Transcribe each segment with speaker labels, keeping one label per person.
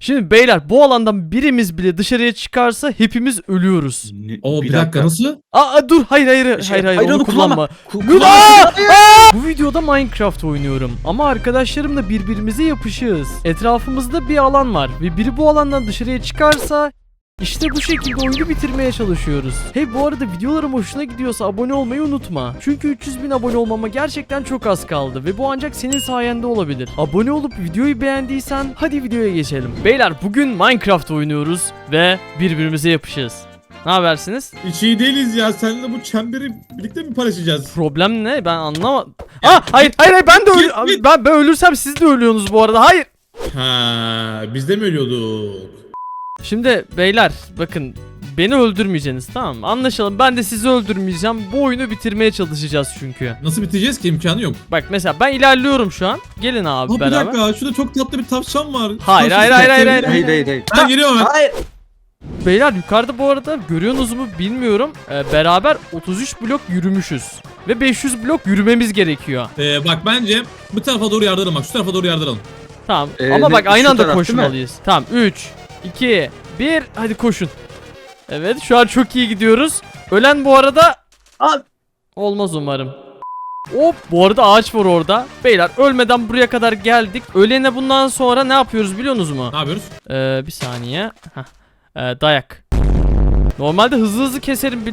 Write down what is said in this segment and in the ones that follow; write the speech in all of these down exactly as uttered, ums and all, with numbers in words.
Speaker 1: Şimdi beyler bu alandan birimiz bile dışarıya çıkarsa hepimiz ölüyoruz.
Speaker 2: Ne-
Speaker 3: Oo bir dakika nasıl?
Speaker 1: Aa dur hayır hayır hayır
Speaker 2: Şey,
Speaker 1: hayır, hayır
Speaker 2: hayır,
Speaker 1: onu
Speaker 2: onu kullanma.
Speaker 1: kullanma.
Speaker 2: Ku-
Speaker 1: Dur,
Speaker 2: kullanma.
Speaker 1: aa! Aa! Bu videoda Minecraft oynuyorum ama arkadaşlarımla birbirimize yapışığız. Etrafımızda bir alan var ve biri bu alandan dışarıya çıkarsa işte bu şekilde oyunu bitirmeye çalışıyoruz. Hey bu arada videolarım hoşuna gidiyorsa abone olmayı unutma. Çünkü üç yüz bin abone olmama gerçekten çok az kaldı ve bu ancak senin sayende olabilir. Abone olup videoyu beğendiysen hadi videoya geçelim. Beyler bugün Minecraft oynuyoruz ve birbirimize yapışığız. Ne habersiniz?
Speaker 3: Hiç iyi değiliz ya. Seninle bu çemberi birlikte mi paylaşacağız?
Speaker 1: Problem ne? Ben anlamadım. Aa hayır hayır hayır ben de ölü
Speaker 3: Git, git.
Speaker 1: ben, ben ölürsem siz de ölüyorsunuz bu arada. Hayır.
Speaker 3: Ha, biz de mi ölüyorduk?
Speaker 1: Şimdi beyler bakın beni öldürmeyeceksiniz tamam mı? Anlaşalım ben de sizi öldürmeyeceğim. Bu oyunu bitirmeye çalışacağız çünkü.
Speaker 3: Nasıl bitireceğiz ki? İmkanı yok.
Speaker 1: Bak mesela ben ilerliyorum şu an. Gelin abi
Speaker 3: Ha, bir
Speaker 1: beraber.
Speaker 3: dakika. Şurada çok tatlı bir tavşan var.
Speaker 1: Hayır, hayır, hayır, hayır, hayır.
Speaker 2: Hayır hayır hayır.
Speaker 3: Ben geliyorum hemen.
Speaker 2: Hayır.
Speaker 1: Beyler yukarıda bu arada görüyorsunuz mu bilmiyorum. Ee, beraber otuz üç blok yürümüşüz. Ve beş yüz blok yürümemiz gerekiyor.
Speaker 3: Ee, bak bence bu tarafa doğru yardıralım bak. Şu tarafa doğru yardıralım.
Speaker 1: Tamam
Speaker 2: Ee,
Speaker 1: ama
Speaker 2: ne-
Speaker 1: bak aynı
Speaker 2: şu
Speaker 1: anda
Speaker 2: taraf değil mi?
Speaker 1: koşmalıyız. Tamam üç, iki, bir hadi koşun. Evet şu an çok iyi gidiyoruz. Ölen bu arada
Speaker 2: Abi.
Speaker 1: olmaz umarım. Hop bu arada ağaç var orada. Beyler ölmeden buraya kadar geldik. Ölene bundan sonra ne yapıyoruz biliyorsunuz mu?
Speaker 3: Ne yapıyoruz?
Speaker 1: Ee, bir saniye. Heh. Ee, dayak. Normalde hızlı hızlı keserim. Bil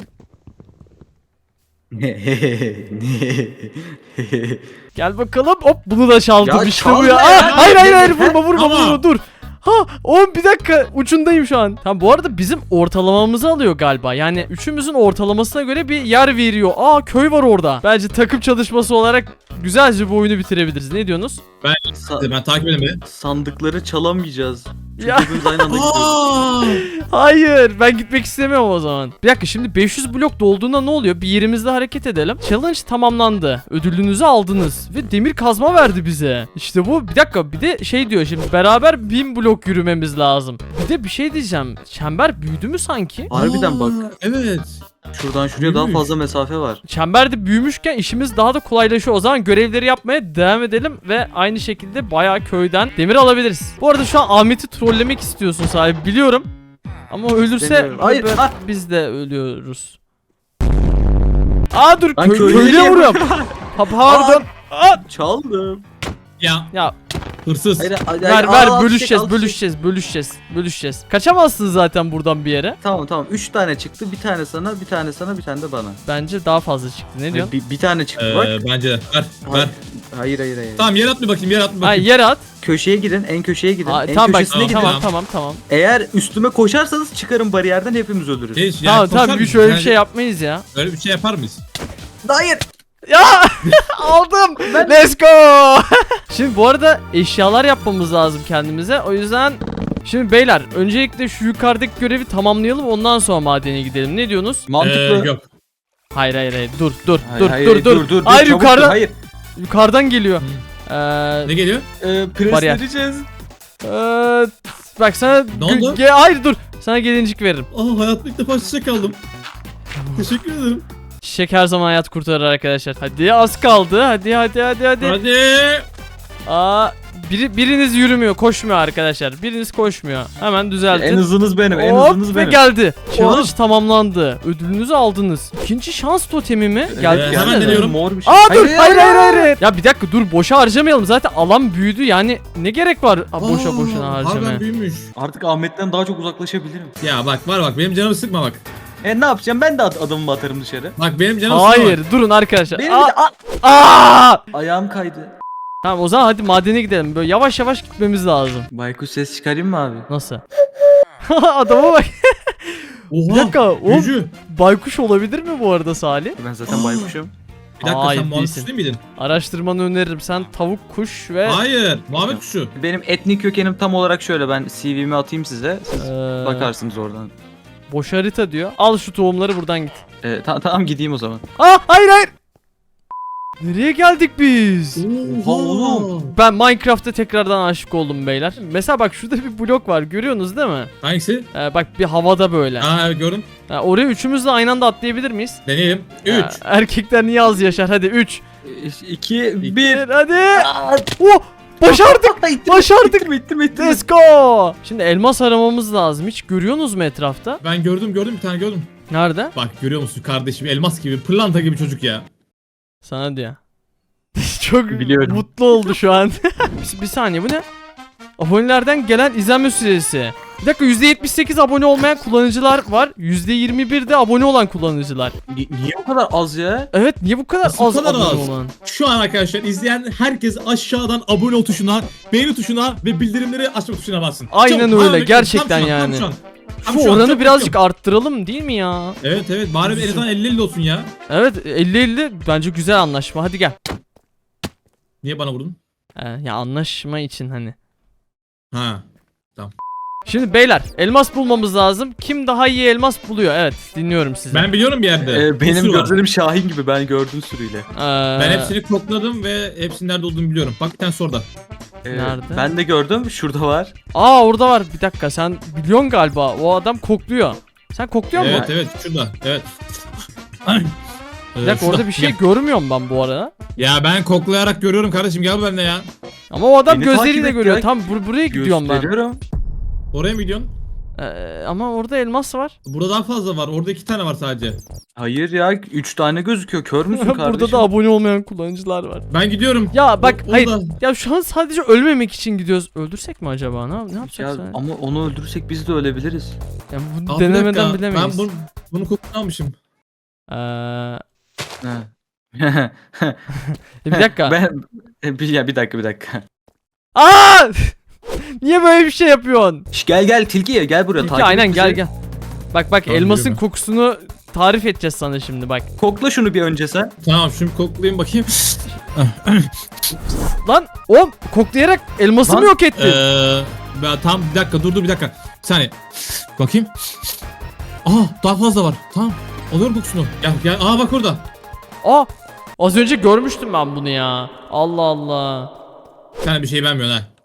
Speaker 1: Gel bakalım. Hop bunu da çaldım
Speaker 2: Ya
Speaker 1: işte bu
Speaker 2: çalma
Speaker 1: ya.
Speaker 2: ya.
Speaker 1: Aa, hayır hayır hayır vurma vurma
Speaker 3: Ama-
Speaker 1: vurma dur. Ha oğlum bir dakika ucundayım şu an. Tamam bu arada bizim ortalamamızı alıyor galiba. Yani üçümüzün ortalamasına göre bir yer veriyor. Aa köy var orada. Bence takım çalışması olarak güzelce bu oyunu bitirebiliriz. Ne diyorsunuz?
Speaker 2: Sa-
Speaker 3: Ben takip edeyim beni.
Speaker 2: sandıkları çalamayacağız. Çünkü
Speaker 1: Ya.
Speaker 2: hepimiz aynı anda gidiyoruz.
Speaker 3: Aa!
Speaker 1: Hayır ben gitmek istemiyorum o zaman. Bir dakika şimdi beş yüz blok dolduğunda ne oluyor? Bir yerimizde hareket edelim. Challenge tamamlandı. Ödülünüzü aldınız. Ve demir kazma verdi bize. İşte bu bir dakika bir de şey diyor şimdi beraber bin blok yürümemiz lazım. Bir de bir şey diyeceğim. Çember büyüdü mü sanki?
Speaker 2: Harbiden bak.
Speaker 3: Aa, Evet.
Speaker 2: Şuradan şuraya daha
Speaker 3: Büyümüş.
Speaker 2: fazla mesafe var.
Speaker 1: Çember de büyümüşken işimiz daha da kolaylaşıyor. O zaman görevleri yapmaya devam edelim ve aynı şekilde bayağı köyden demir alabiliriz. Bu arada şu an Ahmet'i trollemek istiyorsun sahibi biliyorum. Ama ölürse
Speaker 2: İstemiyorum. Hayır,
Speaker 1: evet,
Speaker 2: ah!
Speaker 1: biz de ölüyoruz. Aa dur
Speaker 2: Ben
Speaker 1: kö-
Speaker 2: köylüye
Speaker 1: köylüye
Speaker 2: niye-
Speaker 1: vuruyorum. Ha, pardon. Aa!
Speaker 2: Çaldım.
Speaker 3: Ya
Speaker 1: Ya
Speaker 3: hırsız.
Speaker 2: Hayır, hayır,
Speaker 1: ver
Speaker 2: hayır,
Speaker 1: ver
Speaker 2: al, al,
Speaker 1: bölüşeceğiz
Speaker 2: çek, al, çek.
Speaker 1: bölüşeceğiz bölüşeceğiz bölüşeceğiz. Kaçamazsın zaten buradan bir yere.
Speaker 2: Tamam tamam. Üç tane çıktı. Bir tane sana, bir tane sana, bir tane de bana.
Speaker 1: Bence daha fazla çıktı. Ne diyorsun?
Speaker 2: Bir, bir tane çıktı bak.
Speaker 3: Ee, bence de. Ver.
Speaker 2: Hayır,
Speaker 3: Ver.
Speaker 2: hayır hayır hayır.
Speaker 3: Tamam yer at bir bakayım. Yer at bir
Speaker 1: Ha
Speaker 3: bakayım.
Speaker 1: yere at.
Speaker 2: Köşeye gidin. En köşeye gidin.
Speaker 1: Aa,
Speaker 2: en
Speaker 1: tamam bak
Speaker 2: köşesine gidin.
Speaker 1: tamam tamam tamam.
Speaker 2: Eğer üstüme koşarsanız çıkarım bariyerden hepimiz ölürüz.
Speaker 3: Hiç, yani
Speaker 1: Tamam
Speaker 3: koşar
Speaker 1: tamam bir
Speaker 3: mıyız?
Speaker 1: şöyle bir
Speaker 3: Yani
Speaker 1: şey yapmayız ya.
Speaker 3: Öyle bir şey yapar mıyız?
Speaker 2: Hayır.
Speaker 1: Ya aldım. Let's go. Şimdi bu arada eşyalar yapmamız lazım kendimize. O yüzden şimdi beyler öncelikle şu yukarıdaki görevi tamamlayalım ondan sonra madene gidelim. Ne diyorsunuz?
Speaker 2: Mantıklı.
Speaker 3: Ee, yok.
Speaker 1: Hayır hayır hayır. Dur dur
Speaker 2: Hayır,
Speaker 1: dur
Speaker 2: hayır,
Speaker 1: dur dur.
Speaker 2: dur, dur,
Speaker 1: Hayır
Speaker 2: çabuk
Speaker 1: yukarıdan
Speaker 2: dur, hayır.
Speaker 1: yukarıdan geliyor. Ee,
Speaker 3: Ne geliyor?
Speaker 2: Ee,
Speaker 1: Bariyer.
Speaker 2: presledeceğiz.
Speaker 1: ee, bak sana
Speaker 3: Ne oldu?
Speaker 1: ge- hayır dur. Sana gelincik veririm.
Speaker 3: Aa hayatımda ilk defa çiçek aldım. Teşekkür ederim.
Speaker 1: Çiçek her zaman hayat kurtarır arkadaşlar. Hadi az kaldı. Hadi hadi hadi hadi.
Speaker 3: Hadi.
Speaker 1: Aa biri, biriniz yürümüyor, koşmuyor arkadaşlar. Biriniz koşmuyor. Hemen düzeltin.
Speaker 2: En hızınız benim, en
Speaker 1: Hop,
Speaker 2: hızınız
Speaker 1: ve
Speaker 2: benim.
Speaker 1: geldi. Challenge tamamlandı. Ödülünüzü aldınız. İkinci şans totemi mi? Geldi.
Speaker 3: Ee,
Speaker 1: size
Speaker 3: hemen
Speaker 1: de.
Speaker 3: deniyorum.
Speaker 2: Mor bir şey.
Speaker 1: Aa dur hayır hayır hayır. hayır. Ya bir dakika dur boşa harcamayalım. Zaten alan büyüdü. Yani ne gerek var Aa, boşa
Speaker 3: Aa,
Speaker 1: boşuna harcamaya.
Speaker 3: Harbiden büyümüş.
Speaker 2: Artık Ahmet'ten daha çok uzaklaşabilirim.
Speaker 3: Ya bak var bak benim canımı sıkma bak.
Speaker 2: E ne yapacağım? Ben de ad- adamımı atarım dışarı.
Speaker 3: Bak benim canımı sıkma
Speaker 1: Hayır
Speaker 3: bak.
Speaker 1: durun arkadaşlar.
Speaker 2: Benim
Speaker 1: Aa,
Speaker 2: de Aa!
Speaker 1: aa!
Speaker 2: ayağım kaydı.
Speaker 1: Tamam o zaman hadi madene gidelim. Böyle yavaş yavaş gitmemiz lazım.
Speaker 2: Baykuş ses çıkarayım mı abi?
Speaker 1: Nasıl? Adama bak.
Speaker 3: Oha.
Speaker 1: Bir dakika, o-
Speaker 3: Gücü.
Speaker 1: Baykuş olabilir mi bu arada Salih?
Speaker 2: Ben zaten
Speaker 3: Aa.
Speaker 2: baykuşum.
Speaker 3: Bir dakika
Speaker 1: Hayır,
Speaker 3: sen muhabbet
Speaker 1: değilsin.
Speaker 3: değil miydin?
Speaker 1: Araştırmanı öneririm. Sen tavuk, kuş ve
Speaker 3: Hayır. Muhabbet kuşu.
Speaker 2: Benim etnik kökenim tam olarak şöyle. Ben C V'mi atayım size. Siz
Speaker 1: Ee,
Speaker 2: bakarsınız oradan.
Speaker 1: boş harita diyor. Al şu tohumları buradan git.
Speaker 2: Ee, ta- tamam gideyim o zaman.
Speaker 1: Aa hayır hayır. Nereye geldik biz?
Speaker 2: Oha oğlum.
Speaker 1: Ben Minecraft'a tekrardan aşık oldum beyler. Mesela bak şurada bir blok var görüyorsunuz değil mi?
Speaker 3: Hangisi?
Speaker 1: Ee, bak bir havada böyle.
Speaker 3: Aa evet gördüm.
Speaker 1: Ha, oraya üçümüz de aynı anda atlayabilir miyiz?
Speaker 3: Deneyelim.
Speaker 1: Ha,
Speaker 3: üç.
Speaker 1: erkekler niye az yaşar? Hadi üç.
Speaker 2: iki,
Speaker 1: Bir.
Speaker 2: bir.
Speaker 1: Hadi.
Speaker 2: Aa,
Speaker 1: Oh! Başardık.
Speaker 2: İttim,
Speaker 1: Başardık.
Speaker 2: ittim, ittim, ittim.
Speaker 1: Let's go. Şimdi elmas aramamız lazım. Hiç görüyorsunuz mu etrafta?
Speaker 3: Ben gördüm gördüm bir tane gördüm.
Speaker 1: Nerede?
Speaker 3: Bak görüyor musun kardeşim elmas gibi pırlanta gibi çocuk ya.
Speaker 1: Sana diyor. Çok
Speaker 2: Biliyorum.
Speaker 1: mutlu oldu şu an. bir, bir saniye bu ne? Abonelerden gelen izlenme süresi. Bir dakika yüzde yetmiş sekiz abone olmayan kullanıcılar var. yüzde yirmi bir de abone olan kullanıcılar.
Speaker 2: Ni- Niye bu kadar az ya?
Speaker 1: Evet niye bu kadar
Speaker 3: Nasıl
Speaker 1: az
Speaker 3: bu kadar
Speaker 1: abone
Speaker 3: az?
Speaker 1: olan?
Speaker 3: Şu an arkadaşlar izleyen herkes aşağıdan abone ol tuşuna, beğeni tuşuna ve bildirimleri açma tuşuna bassın.
Speaker 1: Aynen
Speaker 3: Çabuk,
Speaker 1: öyle,
Speaker 3: hemen
Speaker 1: gerçekten
Speaker 3: tam şu an,
Speaker 1: yani.
Speaker 3: Tam şu an. Tam
Speaker 1: Şu
Speaker 3: şu an,
Speaker 1: oranı
Speaker 3: çabuk,
Speaker 1: birazcık
Speaker 3: çabuk.
Speaker 1: arttıralım değil mi ya?
Speaker 3: Evet evet bari bir en azından elli elli olsun ya.
Speaker 1: Evet elli elli bence güzel anlaşma. Hadi gel.
Speaker 3: Niye bana vurdun?
Speaker 1: Ee, ya anlaşma için hani.
Speaker 3: Ha.
Speaker 1: Şimdi beyler elmas bulmamız lazım. Kim daha iyi elmas buluyor? Evet dinliyorum sizi.
Speaker 3: Ben biliyorum bir yerde.
Speaker 2: Ee,
Speaker 3: Bir
Speaker 2: benim
Speaker 3: sürü var.
Speaker 2: gözlerim Şahin gibi, ben gördüm sürüyle.
Speaker 1: Ee,
Speaker 3: Ben hepsini kokladım ve hepsinin nerede olduğunu biliyorum. Bak bir tane orada.
Speaker 2: Ee,
Speaker 1: Nerede?
Speaker 2: Ben de gördüm, şurada var.
Speaker 1: Aa orada var. Bir dakika sen biliyorsun galiba. O adam kokluyor. Sen kokluyor
Speaker 3: Evet
Speaker 1: musun?
Speaker 3: evet şurada. Evet.
Speaker 1: Bir dakika orada bir şey görmüyorum ben bu arada.
Speaker 3: Ya ben koklayarak görüyorum kardeşim gel benimle ya.
Speaker 1: Ama o adam
Speaker 2: Beni takip
Speaker 1: gözleriyle
Speaker 2: et
Speaker 1: görüyor.
Speaker 2: ya.
Speaker 1: Tam bur- buraya gidiyorum ben.
Speaker 2: Gösteriyorum.
Speaker 3: Oraya mı gidiyorsun?
Speaker 1: Ee, ama orada elmas var.
Speaker 3: Burada daha fazla var. Orada iki tane var sadece.
Speaker 2: Hayır ya, üç tane gözüküyor. Kör müsün kardeşim?
Speaker 1: Burada da abone olmayan kullanıcılar var.
Speaker 3: Ben gidiyorum.
Speaker 1: Ya bak
Speaker 3: O-
Speaker 1: hayır.
Speaker 3: orada.
Speaker 1: Ya şu an sadece ölmemek için gidiyoruz. Öldürsek mi acaba? Ne, ne
Speaker 2: Ya,
Speaker 1: yapacağız? Ya,
Speaker 2: ama onu öldürürsek biz de ölebiliriz.
Speaker 1: ya bunu
Speaker 3: Aa, bir
Speaker 1: denemeden
Speaker 3: dakika,
Speaker 1: bilemeyiz.
Speaker 3: Ben bunu, bunu kokusunu almışım.
Speaker 1: Ee,
Speaker 2: Ha.
Speaker 1: bir dakika.
Speaker 2: ben bir, ya bir dakika bir dakika.
Speaker 1: Aa! Niye böyle bir şey yapıyorsun?
Speaker 2: Şş, gel gel tilki gel buraya.
Speaker 1: Tilki,
Speaker 2: takip et
Speaker 1: aynen
Speaker 2: bizi.
Speaker 1: gel gel. Bak bak
Speaker 3: Tamam,
Speaker 1: elmasın
Speaker 3: yürüme.
Speaker 1: kokusunu tarif edeceğiz sana şimdi bak.
Speaker 2: Kokla şunu bir önce sen.
Speaker 3: Tamam şimdi koklayayım bakayım.
Speaker 1: Lan o koklayarak elması
Speaker 2: Lan,
Speaker 1: mı yok ettin?
Speaker 3: Eee ben, tam bir dakika dur dur bir dakika. Bir saniye. Bakayım. Aa daha fazla var. Tamam. Alıyorum kokusunu. Gel gel. Aa bak orada.
Speaker 1: Aa az önce görmüştüm ben bunu ya. Allah Allah.
Speaker 3: Sen bir şey beğenmiyorsun ha.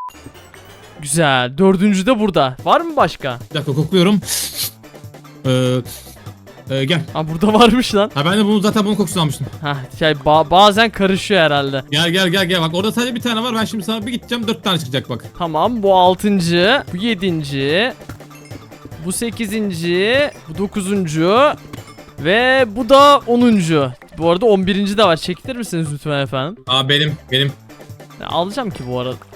Speaker 1: Güzel. Dördüncü de burada. Var mı başka?
Speaker 3: Bir dakika kokluyorum. Eee e, gel.
Speaker 1: Ha burada varmış lan.
Speaker 3: Ha ben de bunu zaten bunun kokusunu almıştım.
Speaker 1: Ha şey ba- bazen karışıyor herhalde.
Speaker 3: Gel gel gel gel bak orada sadece bir tane var. Ben şimdi sana bir gideceğim dört tane çıkacak bak.
Speaker 1: Tamam bu altıncı, bu yedinci, bu sekizinci, bu dokuzuncu ve bu da onuncu. Bu arada on birinci de var. Çekilir misiniz lütfen efendim?
Speaker 3: Aa benim benim.
Speaker 1: Ya, alacağım ki bu arada.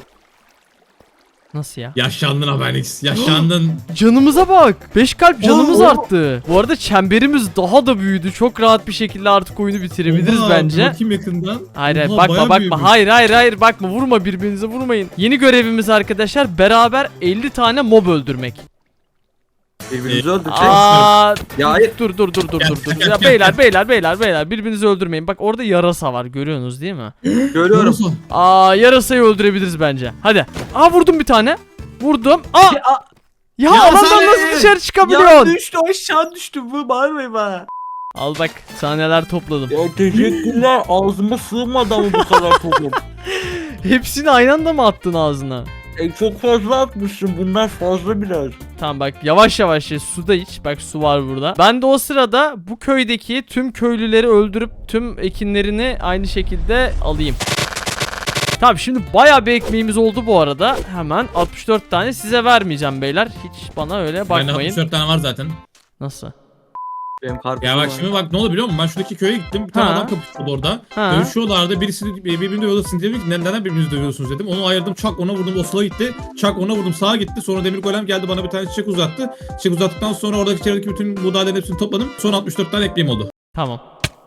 Speaker 1: Nasıl ya?
Speaker 3: Yaşlandın Haberix. Yaşlandın.
Speaker 1: Canımıza bak. beş kalp canımız
Speaker 2: Oo.
Speaker 1: arttı. Bu arada çemberimiz daha da büyüdü. Çok rahat bir şekilde artık oyunu bitirebiliriz
Speaker 3: Oha,
Speaker 1: bence.
Speaker 3: Bakayım yakından.
Speaker 1: Hayır hayır
Speaker 3: Oha,
Speaker 1: bakma
Speaker 3: bayağı
Speaker 1: bakma.
Speaker 3: büyümüş.
Speaker 1: Hayır hayır hayır bakma. Vurma birbirinize vurmayın. Yeni görevimiz arkadaşlar beraber elli tane mob öldürmek.
Speaker 2: Birbirimizi öldürecek.
Speaker 1: Aa,
Speaker 2: Ya hayır.
Speaker 1: dur dur dur dur
Speaker 3: Gel,
Speaker 1: dur dur.
Speaker 3: gel,
Speaker 1: Ya
Speaker 3: gel,
Speaker 1: beyler
Speaker 3: gel.
Speaker 1: beyler beyler beyler birbirinizi öldürmeyin. Bak orada yarasa var görüyorsunuz değil mi?
Speaker 2: Görüyorum.
Speaker 3: Nasıl?
Speaker 1: Aa yarasayı öldürebiliriz bence. Hadi. Aa vurdum bir tane. Vurdum. Aa
Speaker 2: Ya,
Speaker 1: ya,
Speaker 3: ya
Speaker 1: alandan
Speaker 3: sen-
Speaker 1: nasıl dışarı
Speaker 2: ya
Speaker 1: çıkabiliyorsun?
Speaker 2: düştü aşağı düştü, bu bağırmayın bana.
Speaker 1: Al bak sahneler topladım.
Speaker 2: Ya teşekkürler, ağzıma sığmadı ama bu kadar toplum.
Speaker 1: Hepsini aynı anda mı attın ağzına?
Speaker 2: E, çok fazla atmışsın, bunlar fazla biraz.
Speaker 1: Tamam bak yavaş yavaş ye, suda iç. Bak su var burada. Ben de o sırada bu köydeki tüm köylüleri öldürüp tüm ekinlerini aynı şekilde alayım. Tamam şimdi bayağı bir ekmeğimiz oldu bu arada. Hemen altmış dört tane size vermeyeceğim beyler. Hiç bana öyle
Speaker 3: Bende
Speaker 1: bakmayın.
Speaker 3: altmış dört tane var zaten.
Speaker 1: Nasıl?
Speaker 2: Benim karpuzum
Speaker 3: Ya bak
Speaker 2: var.
Speaker 3: şimdi bak ne oldu biliyor musun? Ben şuradaki köye gittim. Bir tane
Speaker 1: Ha.
Speaker 3: adam kapışıyordu orada.
Speaker 1: Ha.
Speaker 3: Dövüşüyorlardı. Birisi birbirini dövüyordu. Dedim ki neden birbirinizi dövüyorsunuz dedim. Onu ayırdım. Çak ona vurdum. O sola gitti. Çak ona vurdum. Sağa gitti. Sonra demir golem geldi bana bir tane çiçek uzattı. Çiçek uzattıktan sonra oradaki çevredeki bütün buğdayların hepsini topladım. Sonra altmış dört tane ekmeğim oldu.
Speaker 1: Tamam.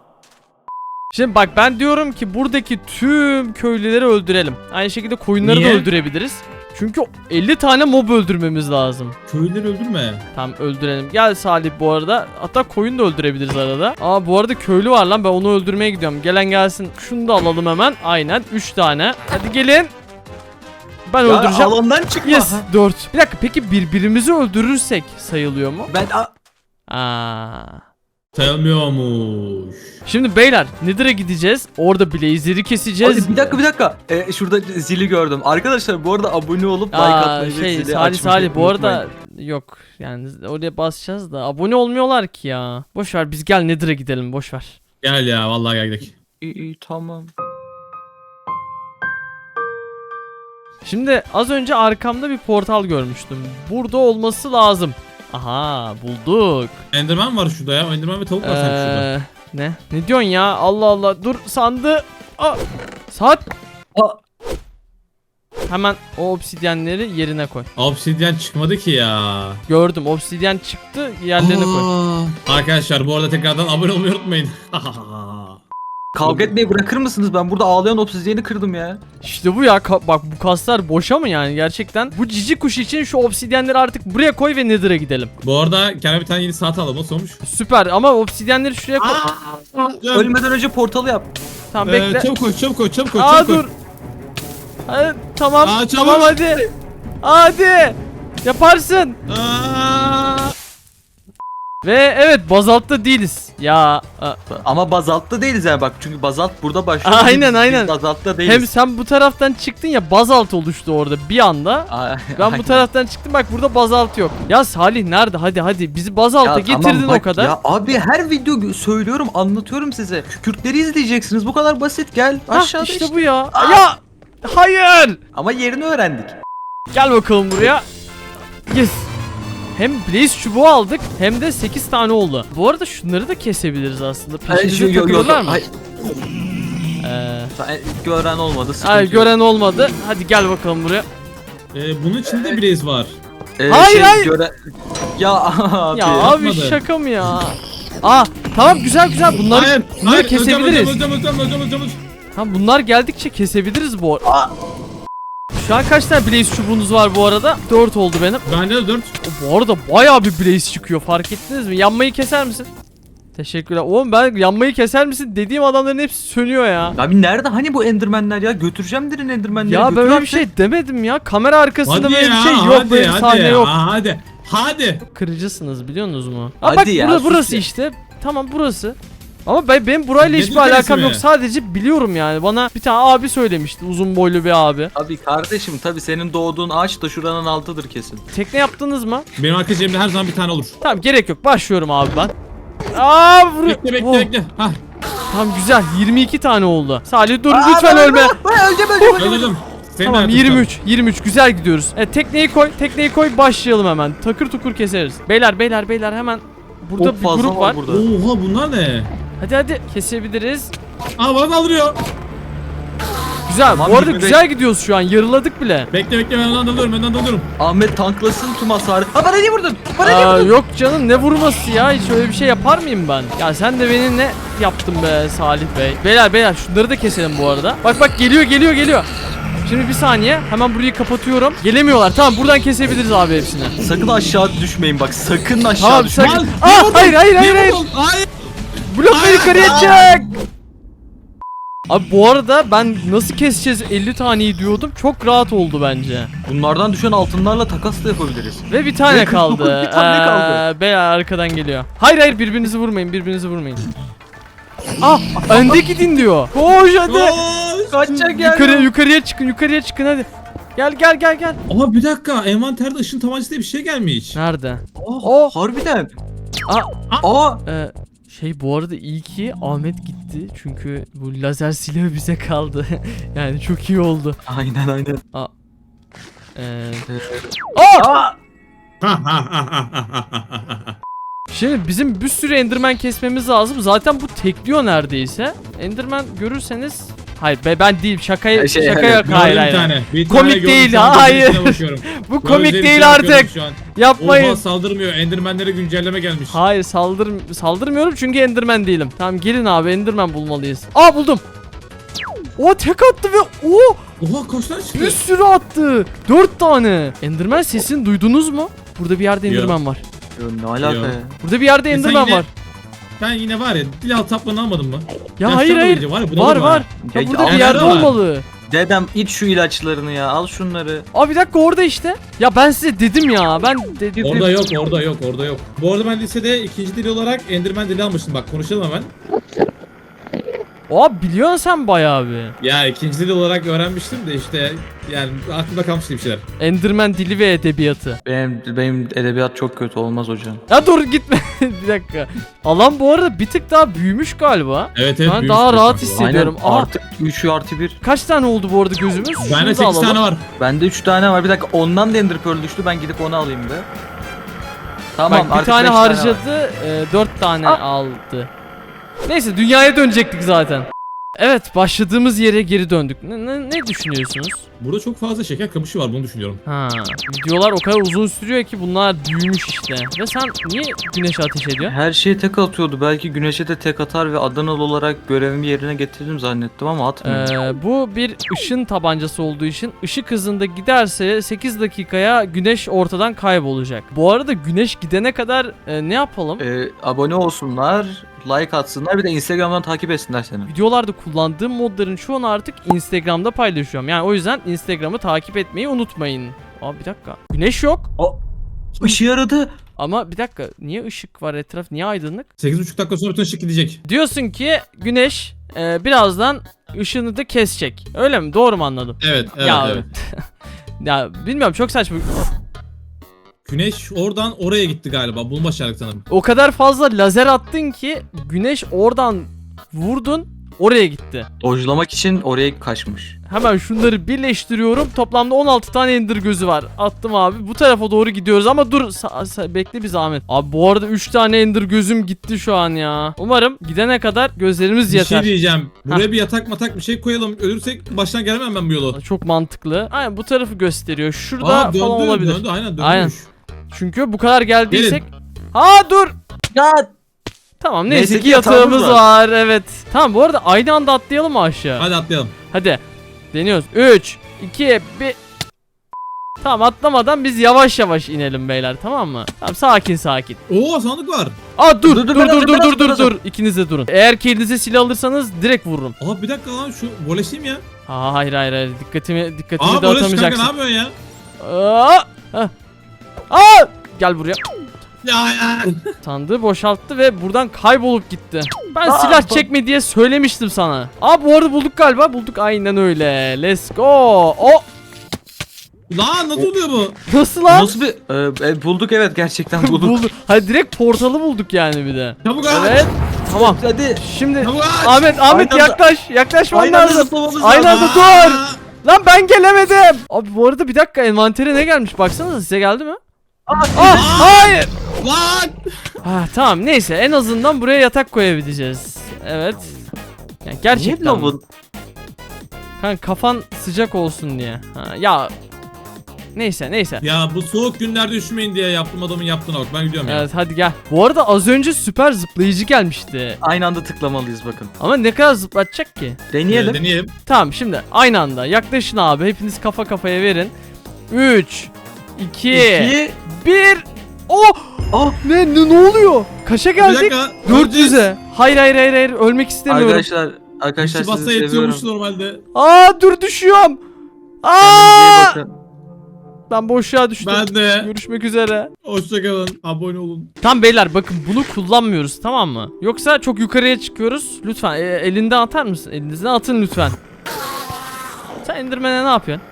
Speaker 1: Şimdi bak ben diyorum ki buradaki tüm köylüleri öldürelim. Aynı şekilde koyunları
Speaker 3: Niye?
Speaker 1: da öldürebiliriz. Çünkü elli tane mob öldürmemiz lazım.
Speaker 3: Köylüleri öldürme.
Speaker 1: Tamam öldürelim. Gel Salih bu arada. Hatta koyun da öldürebiliriz arada. Aa bu arada köylü var lan ben onu öldürmeye gidiyorum. Gelen gelsin. Şunu da alalım hemen. Aynen üç tane. Hadi gelin. Ben
Speaker 2: Ya
Speaker 1: öldüreceğim.
Speaker 2: alandan çıkma.
Speaker 1: Yes dört. Bir dakika peki birbirimizi öldürürsek sayılıyor mu?
Speaker 2: Ben a-
Speaker 1: Aa.
Speaker 3: Sayılmıyormuş.
Speaker 1: Şimdi beyler Nether'a gideceğiz. Orada Blazer'i keseceğiz.
Speaker 2: Hadi bir dakika bir dakika. Ee, şurada zili gördüm. Arkadaşlar bu arada abone olup like
Speaker 1: Aa,
Speaker 2: atmayı ve
Speaker 1: şey
Speaker 2: zili
Speaker 1: Salih
Speaker 2: açmayı
Speaker 1: Salih bu
Speaker 2: unutmayın.
Speaker 1: arada yok yani oraya basacağız da abone olmuyorlar ki ya. Boş ver biz gel Nether'a gidelim boş ver.
Speaker 3: Gel ya vallahi gel gidelim.
Speaker 2: İyi, iyi tamam.
Speaker 1: Şimdi az önce arkamda bir portal görmüştüm. Burada olması lazım. Aha bulduk.
Speaker 3: Enderman var şurada ya. Enderman ve tavuk var sanki şurada.
Speaker 1: Ee, ne? Ne diyorsun ya? Allah Allah. Dur sandı. Aa, saat.
Speaker 2: Aa.
Speaker 1: Hemen o obsidyenleri yerine koy.
Speaker 3: Obsidian çıkmadı ki ya.
Speaker 1: Gördüm. Obsidyen çıktı. Yerlerine koy.
Speaker 3: Aa. Arkadaşlar bu arada tekrardan abone olmayı unutmayın.
Speaker 2: Kavga etmeyi bırakır mısınız? Ben burada ağlayan obsidyeni kırdım ya.
Speaker 1: İşte bu ya. Ka- bak bu kaslar boşa mı yani gerçekten? Bu cici kuş için şu obsidyenleri artık buraya koy ve Nether'a gidelim.
Speaker 3: Bu arada kendime bir tane yeni saat alalım. Nasıl olmuş?
Speaker 1: Süper ama obsidyenleri şuraya koy.
Speaker 2: Ölmeden önce portalı yap.
Speaker 1: Tamam
Speaker 3: Ee,
Speaker 1: bekle.
Speaker 3: çabuk koy, çabuk koy, çabuk koy,
Speaker 1: Aa
Speaker 3: çabuk koy.
Speaker 1: dur. Hadi, tamam.
Speaker 3: Aa, çabuk.
Speaker 1: tamam hadi. Hadi. Yaparsın.
Speaker 3: Aa!
Speaker 1: Ve evet bazaltta değiliz. Ya. a-
Speaker 2: Ama bazaltta değiliz yani bak. Çünkü bazalt burada başlıyor.
Speaker 1: Aynen,
Speaker 2: Biz
Speaker 1: aynen.
Speaker 2: Bazaltta değiliz.
Speaker 1: Hem sen bu taraftan çıktın ya bazalt oluştu orada bir anda.
Speaker 2: Aa,
Speaker 1: Ben
Speaker 2: aynen.
Speaker 1: bu taraftan çıktım bak burada bazalt yok. Ya Salih nerede? Hadi hadi bizi bazalta
Speaker 2: Ya
Speaker 1: getirdin
Speaker 2: tamam bak
Speaker 1: o kadar.
Speaker 2: Ya abi her video gö- söylüyorum, anlatıyorum size. Kükürtleri izleyeceksiniz. Bu kadar basit. Gel
Speaker 1: Hah,
Speaker 2: aşağıda
Speaker 1: işte,
Speaker 2: işte.
Speaker 1: bu ya.
Speaker 2: Aa!
Speaker 1: Ya hayır.
Speaker 2: Ama yerini öğrendik.
Speaker 1: Gel bakalım buraya. Yes. Hem blaze çubuğu aldık hem de sekiz tane oldu. Bu arada şunları da kesebiliriz aslında. Peşimize takılırlar mı?
Speaker 2: Hayır.
Speaker 1: Ee,
Speaker 2: Sen- Gören olmadı. sıkıntı
Speaker 1: hayır
Speaker 2: yok.
Speaker 1: gören olmadı. Hadi gel bakalım buraya.
Speaker 3: Ee, bunun içinde bir blaze var.
Speaker 2: Ee,
Speaker 1: Hayır, hayır.
Speaker 2: göre- Ya abi.
Speaker 1: Ya abi
Speaker 3: yapmadı.
Speaker 1: şaka mı ya? Aa tamam güzel güzel bunları,
Speaker 3: Hayır,
Speaker 1: bunları
Speaker 3: hayır,
Speaker 1: kesebiliriz.
Speaker 3: Öleceğim, öleceğim, öleceğim, öleceğim, öleceğim.
Speaker 1: Tamam bunlar geldikçe kesebiliriz bu arada.
Speaker 2: Aa.
Speaker 1: Şu an kaç tane blaze çubuğunuz var bu arada? dört oldu benim.
Speaker 3: Bende de dört.
Speaker 1: Bu arada bayağı bir blaze çıkıyor fark ettiniz mi? Yanmayı keser misin? Teşekkürler. Oğlum ben yanmayı keser misin dediğim adamların hepsi sönüyor ya.
Speaker 2: Abi nerede hani bu endermenler ya? Götüreceğim derin endermenleri.
Speaker 1: Ya
Speaker 2: götür
Speaker 1: böyle bir
Speaker 2: artık.
Speaker 1: şey demedim ya. Kamera arkasında
Speaker 3: Hadi
Speaker 1: böyle
Speaker 3: ya,
Speaker 1: bir şey yok.
Speaker 3: hadi,
Speaker 1: Böyle bir
Speaker 3: hadi
Speaker 1: sahne
Speaker 3: ya,
Speaker 1: yok.
Speaker 3: Hadi, hadi.
Speaker 1: Kırıcısınız biliyorsunuz mu? Ha
Speaker 2: Hadi
Speaker 1: bak
Speaker 2: ya,
Speaker 1: burada,
Speaker 2: sus
Speaker 1: burası
Speaker 2: ya.
Speaker 1: işte. Tamam burası. Ama ben benim burayla hiçbir
Speaker 3: Nedir
Speaker 1: alakam
Speaker 3: neresi
Speaker 1: yok.
Speaker 3: mi?
Speaker 1: Sadece biliyorum yani. Bana bir tane abi söylemişti. Uzun boylu bir abi.
Speaker 2: Abi kardeşim tabii senin doğduğun ağaç da şuranın altıdır kesin.
Speaker 1: Tekne yaptınız mı?
Speaker 3: Benim arka cebimde her zaman bir tane olur.
Speaker 1: Tamam gerek yok. Başlıyorum abi ben. Aa vur.
Speaker 3: Bekle, bekle,
Speaker 1: Oh,
Speaker 3: bekle. Hah,
Speaker 1: Tamam güzel. yirmi iki tane oldu. Salih dur
Speaker 2: Aa,
Speaker 1: lütfen
Speaker 2: ben-
Speaker 1: ölme.
Speaker 2: ben- Öleceğim öleceğim öleceğim.
Speaker 3: öldürdüm. Senin
Speaker 1: Tamam
Speaker 3: hayatın
Speaker 1: yirmi üç. yirmi üç güzel gidiyoruz. Evet tekneyi koy. Tekneyi koy başlayalım hemen. Takır tukur keseriz. Beyler beyler beyler hemen burada
Speaker 2: Çok
Speaker 1: bir
Speaker 2: fazla
Speaker 1: grup var.
Speaker 2: burada.
Speaker 3: kaldı. Oha bunlar ne?
Speaker 1: Hadi hadi kesebiliriz.
Speaker 3: Aa bana saldırıyor.
Speaker 1: Güzel.
Speaker 2: Tamam,
Speaker 1: Bu arada
Speaker 2: yirmi beş.
Speaker 1: güzel gidiyoruz şu an. Yarıladık bile.
Speaker 3: Bekle bekle ben ondan dalıyorum ben ondan dalıyorum.
Speaker 2: Ahmet tanklasın tüm hasarı. Ha bana niye vurdun? Bana niye
Speaker 1: Aa,
Speaker 2: vurdun?
Speaker 1: yok canım ne vurması ya hiç öyle bir şey yapar mıyım ben? Ya sen de beni ne yaptın be Salih Bey? Beyler beyler şunları da keselim bu arada. Bak bak geliyor geliyor geliyor. Şimdi bir saniye hemen burayı kapatıyorum. Gelemiyorlar tamam buradan kesebiliriz abi hepsini.
Speaker 2: Sakın aşağı düşmeyin bak. Sakın aşağı
Speaker 1: Tamam
Speaker 2: düşmeyin.
Speaker 1: sakın.
Speaker 3: Lan,
Speaker 1: Aa
Speaker 3: niye vurdun?
Speaker 1: hayır hayır hayır
Speaker 3: Niye
Speaker 1: hayır.
Speaker 3: vurdun? Hayır.
Speaker 1: Blokla yukarıya çık. Abi bu arada ben nasıl keseceğiz elli taneyi diyordum. Çok rahat oldu bence.
Speaker 2: Bunlardan düşen altınlarla takas da yapabiliriz.
Speaker 1: Ve bir tane
Speaker 2: Ve kırk dokuz
Speaker 1: kaldı.
Speaker 2: bir tane kaldı.
Speaker 1: Ee, Beyler arkadan geliyor. Hayır hayır birbirinizi vurmayın birbirinizi vurmayın. Ah önde gidin diyor. Koş hadi.
Speaker 3: Koş.
Speaker 2: Kaçacak yani.
Speaker 1: Yukarıya yukarıya çıkın yukarıya çıkın hadi. Gel gel gel gel.
Speaker 3: Ama bir dakika envanterde ışın tabancası diye bir şey gelmiş.
Speaker 1: Nerede?
Speaker 2: Oh,
Speaker 1: Oh.
Speaker 2: harbiden.
Speaker 1: Aa,
Speaker 2: Aa.
Speaker 1: e, şey bu arada iyi ki Ahmet gitti. Çünkü bu lazer silahı bize kaldı. Yani çok iyi oldu.
Speaker 2: Aynen aynen.
Speaker 1: Ee,
Speaker 2: Aa.
Speaker 1: Aa!
Speaker 2: Aa.
Speaker 1: Şimdi bizim bir sürü Enderman kesmemiz lazım. Zaten bu tekliyor neredeyse. Enderman görürseniz hayır be ben değil şakaya
Speaker 2: Şey,
Speaker 1: şaka
Speaker 2: evet,
Speaker 1: yok
Speaker 3: Gördüm
Speaker 1: hayır
Speaker 3: bir
Speaker 1: hayır.
Speaker 3: tane. Bir
Speaker 1: Komik
Speaker 3: tane gördüm,
Speaker 1: değil,
Speaker 3: şu an
Speaker 1: hayır.
Speaker 3: gözlerine bakıyorum.
Speaker 1: Bu komik
Speaker 3: Gözlerine
Speaker 1: değil
Speaker 3: bakıyorum
Speaker 1: artık.
Speaker 3: şu an.
Speaker 1: Yapmayın.
Speaker 3: Oha saldırmıyor. Endermenlere güncelleme gelmiş.
Speaker 1: Hayır saldır saldırmıyorum çünkü Enderman değilim. Tamam gelin abi Enderman bulmalıyız. Aa buldum. O tek attı ve o
Speaker 3: Oha kaç tane çıktı?
Speaker 1: bir sürü attı. Dört tane. Enderman sesini duydunuz mu? Burada bir yerde
Speaker 3: Yok.
Speaker 1: Enderman var.
Speaker 2: Yo, ne alaka
Speaker 3: Yok.
Speaker 2: ya?
Speaker 1: Burada bir yerde
Speaker 3: E sen
Speaker 1: Enderman
Speaker 3: yine-
Speaker 1: var.
Speaker 3: Ben yine var ya dil altı taplarını almadın mı?
Speaker 1: Ya
Speaker 3: Ya
Speaker 1: hayır
Speaker 3: sen de
Speaker 1: hayır.
Speaker 3: iyice var ya, buna
Speaker 1: Var
Speaker 3: vurma.
Speaker 1: var. Ya
Speaker 2: Ya,
Speaker 1: burada
Speaker 2: ya,
Speaker 1: bir yerde
Speaker 3: nerede var?
Speaker 1: olmalı.
Speaker 2: Dedem iç şu ilaçlarını ya. Al şunları.
Speaker 1: Aa bir dakika orada işte. Ya ben size dedim ya. Ben dedim.
Speaker 3: Orada yok, orada yok, orada yok. Bu arada ben lisede ikinci dil olarak Enderman dili almıştım. Bak konuşalım hemen.
Speaker 1: Abi biliyorsun sen bayağı bir.
Speaker 3: Ya ikinci dil olarak öğrenmiştim de işte yani aklımda kalmıştı bir şeyler.
Speaker 1: Enderman dili ve edebiyatı.
Speaker 2: Benim, benim edebiyat çok kötü olmaz hocam.
Speaker 1: Ya dur gitme. Bir dakika. Alan bu arada bir tık daha büyümüş galiba.
Speaker 3: Evet evet.
Speaker 1: Ben
Speaker 3: büyümüş
Speaker 1: daha
Speaker 3: bir
Speaker 1: rahat
Speaker 3: sanki.
Speaker 1: hissediyorum.
Speaker 2: Aynen,
Speaker 1: Aha.
Speaker 2: artık üç artı bir.
Speaker 1: Kaç tane oldu bu arada gözümüz? Şunu
Speaker 3: Bende
Speaker 1: da
Speaker 3: sekiz
Speaker 1: alalım.
Speaker 3: tane var.
Speaker 2: Bende üç tane var. Bir dakika ondan da Ender Pearl düştü. Ben gidip onu alayım be. Tamam
Speaker 1: Bak bir
Speaker 2: artık
Speaker 1: tane
Speaker 2: beş var.
Speaker 1: harcadı, e, dört tane
Speaker 2: Ah.
Speaker 1: aldı. Neyse dünyaya dönecektik zaten. Evet başladığımız yere geri döndük. Ne, ne, ne düşünüyorsunuz?
Speaker 3: Burada çok fazla şeker kamışı var bunu düşünüyorum.
Speaker 1: Ha, videolar o kadar uzun sürüyor ki bunlar büyümüş işte. Ve sen niye güneşe ateş ediyorsun?
Speaker 2: Her şeye tek atıyordu. Belki güneşe de tek atar ve Adanalı olarak görevimi yerine getirdim zannettim ama atmıyor.
Speaker 1: Ee, bu bir ışın tabancası olduğu için ışık hızında giderse sekiz dakikaya güneş ortadan kaybolacak. Bu arada güneş gidene kadar e, ne yapalım?
Speaker 2: Ee, abone olsunlar, like atsınlar, bir de Instagram'dan takip etsinler seni.
Speaker 1: Videolarda kullandığım modların çoğunu artık Instagram'da paylaşıyorum. Yani o yüzden Instagram'ı takip etmeyi unutmayın. Aa bir dakika. Güneş yok.
Speaker 2: O işe yaradı.
Speaker 1: Ama bir dakika. Niye ışık var etraf? Niye aydınlık?
Speaker 3: sekiz buçuk dakika sonra bütün ışık gidecek.
Speaker 1: Diyorsun ki güneş e, birazdan ışığını da kesecek. Öyle mi? Doğru mu anladım?
Speaker 3: Evet evet
Speaker 1: ya,
Speaker 3: evet.
Speaker 1: ya bilmiyorum çok saçma.
Speaker 3: Güneş oradan oraya gitti galiba. Bunu başardık sanırım.
Speaker 1: O kadar fazla lazer attın ki güneş oradan vurdun oraya gitti.
Speaker 2: Dojlamak için oraya kaçmış.
Speaker 1: Hemen şunları birleştiriyorum. Toplamda on altı tane ender gözü var. Attım abi. Bu tarafa doğru gidiyoruz ama dur sa- sa- bekle bir zahmet. Abi bu arada üç tane ender gözüm gitti şu an ya. Umarım gidene kadar gözlerimiz
Speaker 3: Bir
Speaker 1: yeter.
Speaker 3: şey diyeceğim. Buraya bir yatak matak bir şey koyalım. Ölürsek baştan gelemem ben bu yolu.
Speaker 1: Çok mantıklı. Aynen bu tarafı gösteriyor. Şurada
Speaker 3: Aa döndü,
Speaker 1: falan olabilir.
Speaker 3: döndü aynen dönmüş.
Speaker 1: Aynen. Çünkü bu kadar geldiysek.
Speaker 3: Gelin.
Speaker 1: Ha dur.
Speaker 2: Ya
Speaker 1: Tamam neyse,
Speaker 2: Neyse
Speaker 1: ki
Speaker 2: ki
Speaker 1: yatağımız
Speaker 2: yatağımız
Speaker 1: var. Evet. Tamam bu arada aynı anda atlayalım mı aşağı?
Speaker 3: Hadi atlayalım.
Speaker 1: Hadi. Deniyoruz. üç, iki, bir. Tamam atlamadan biz yavaş yavaş inelim beyler tamam mı? Tamam sakin sakin.
Speaker 3: Oo sandık var.
Speaker 1: Aa dur dur
Speaker 2: Dur, dur,
Speaker 1: dur
Speaker 2: biraz,
Speaker 1: dur
Speaker 2: biraz,
Speaker 1: dur dur
Speaker 2: biraz.
Speaker 1: dur. İkiniz de durun. Eğer ki elinize silah alırsanız direkt vururum.
Speaker 3: Aa bir dakika lan şu voleşeyim ya.
Speaker 1: Aa, hayır hayır hayır dikkatimi dikkatimi
Speaker 3: Aa voleş kanka ne
Speaker 1: dağıtamayacaksın.
Speaker 3: yapıyorsun ya?
Speaker 1: Aa! Hah. Aa! Gel buraya.
Speaker 3: Ya ya.
Speaker 1: Sandığı boşalttı ve buradan kaybolup gitti. Ben
Speaker 2: Aa,
Speaker 1: silah
Speaker 2: bu-
Speaker 1: çekme diye söylemiştim sana. Aa bu arada bulduk galiba. Bulduk aynen öyle. Let's go. O
Speaker 3: Lan nasıl oluyor bu?
Speaker 1: nasıl lan?
Speaker 2: nasıl bir Ee, e, bulduk evet gerçekten bulduk.
Speaker 1: bulduk. Hadi direkt portalı bulduk yani bir de.
Speaker 3: Çabuk aç.
Speaker 1: Evet. Tamam.
Speaker 2: Hadi.
Speaker 1: Şimdi
Speaker 3: Çabuk aç.
Speaker 1: Ahmet Ahmet
Speaker 2: Aynı anda-
Speaker 1: yaklaş. Yaklaşman
Speaker 2: Aynı anda
Speaker 1: lazım.
Speaker 2: zıplamamız
Speaker 1: Aynı
Speaker 2: lazım.
Speaker 1: anda dur.
Speaker 3: Aa.
Speaker 1: Lan ben gelemedim. Abi bu arada bir dakika envantere ne gelmiş? Baksanıza size geldi mi? Ah hayır.
Speaker 3: Lan.
Speaker 1: Ah tamam neyse en azından buraya yatak koyabileceğiz. Evet. Yani
Speaker 2: Niye
Speaker 1: gerçekten. mi?
Speaker 2: bu?
Speaker 1: Kanka kafan sıcak olsun diye. Ha, ya neyse neyse.
Speaker 3: Ya bu soğuk günlerde üşümeyin diye yaptım adamın yaptığına bak ben gidiyorum ya.
Speaker 1: Evet hadi gel. Bu arada az önce süper zıplayıcı gelmişti.
Speaker 2: Aynı anda tıklamalıyız bakın.
Speaker 1: Ama ne kadar zıplatacak ki?
Speaker 2: Deneyelim.
Speaker 3: Deneyelim.
Speaker 1: Tamam şimdi aynı anda yaklaşın abi. Hepiniz kafa kafaya verin. üç iki
Speaker 2: İki.
Speaker 1: bir Oh!
Speaker 2: Ah.
Speaker 1: Ne, ne ne oluyor? Kaça
Speaker 3: Bir
Speaker 1: geldik?
Speaker 3: dakika.
Speaker 1: dört yüze. Hayır hayır hayır hayır ölmek istemiyorum.
Speaker 2: Arkadaşlar arkadaşlar
Speaker 3: Kişi bassa
Speaker 2: sizi seviyorum.
Speaker 3: yetiyormuş normalde.
Speaker 1: Aa dur düşüyorum.
Speaker 2: Kendinize iyi
Speaker 1: Aa!
Speaker 2: bakın.
Speaker 1: Ben boşluğa düştüm.
Speaker 3: Ben de.
Speaker 1: Görüşmek üzere.
Speaker 3: Hoşçakalın. Abone olun.
Speaker 1: Tam beyler bakın bunu kullanmıyoruz tamam mı? Yoksa çok yukarıya çıkıyoruz. Lütfen e, elinden atar mısın? Elinizden atın lütfen. Sen Enderman'e ne yapıyorsun?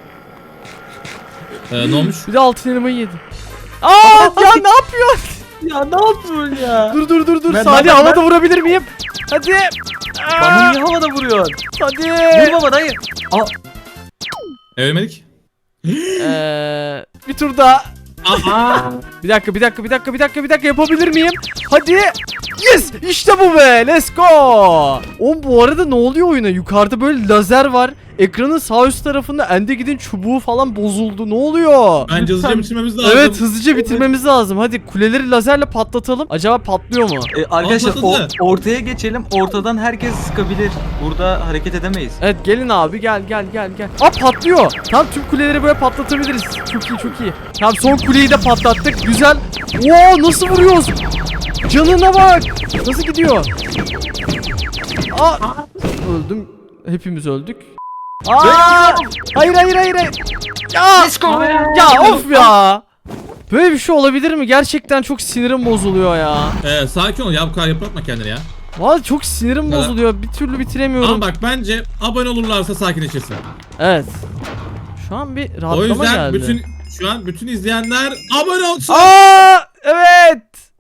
Speaker 3: Ee, ne olmuş?
Speaker 1: Bir de altın elmayı yedi. Aa ya ne yapıyorsun?
Speaker 2: Ya ne yapıyorsun ya?
Speaker 1: Dur dur dur dur.
Speaker 2: Ben-
Speaker 1: Salih
Speaker 2: ben-
Speaker 1: havada
Speaker 2: ben-
Speaker 1: vurabilir miyim? Hadi.
Speaker 2: Bana
Speaker 1: Aa,
Speaker 2: niye havada vuruyorsun?
Speaker 1: hadi.
Speaker 2: Vurma bana hayır. Aa,
Speaker 3: E, Ölmedik.
Speaker 1: Ee, bir tur daha.
Speaker 3: Aa.
Speaker 1: Bir dakika bir dakika bir dakika bir dakika bir dakika yapabilir miyim? Hadi. Yes işte bu be let's go. Oğlum bu arada ne oluyor oyuna? Yukarıda böyle lazer var. Ekranın sağ üst tarafında Endegid'in çubuğu falan bozuldu. Ne oluyor?
Speaker 3: Bence hızlıca bitirmemiz lazım.
Speaker 1: Evet hızlıca bitirmemiz lazım. Hadi kuleleri lazerle patlatalım. Acaba patlıyor mu?
Speaker 2: e, arkadaşlar
Speaker 3: Patladı.
Speaker 2: o, ortaya geçelim. Ortadan herkes sıkabilir. Burada hareket edemeyiz.
Speaker 1: Evet gelin abi gel gel gel gel. Aa patlıyor. Tam tüm kuleleri böyle patlatabiliriz. Çok iyi çok iyi. Tamam son kuleyi de patlattık. Güzel. Oo nasıl vuruyoruz? Canına bak. Nasıl gidiyor? Aa öldüm. Hepimiz öldük. Aa hayır hayır hayır hayır. Ya
Speaker 2: Let's go.
Speaker 1: ya of ya. Böyle bir şey olabilir mi? Gerçekten çok sinirim bozuluyor ya.
Speaker 3: Ee, sakin ol ya bu kadar yıpratma kendini ya.
Speaker 1: Vallahi çok sinirim
Speaker 3: Evet.
Speaker 1: bozuluyor. Bir türlü bitiremiyorum.
Speaker 3: Ama bak bence abone olurlarsa sakinleşirsin.
Speaker 1: Evet. Şu an bir
Speaker 3: O
Speaker 1: rahatlama
Speaker 3: yüzden
Speaker 1: geldi.
Speaker 3: bütün şu an bütün izleyenler abone olsun.
Speaker 1: Aa, evet.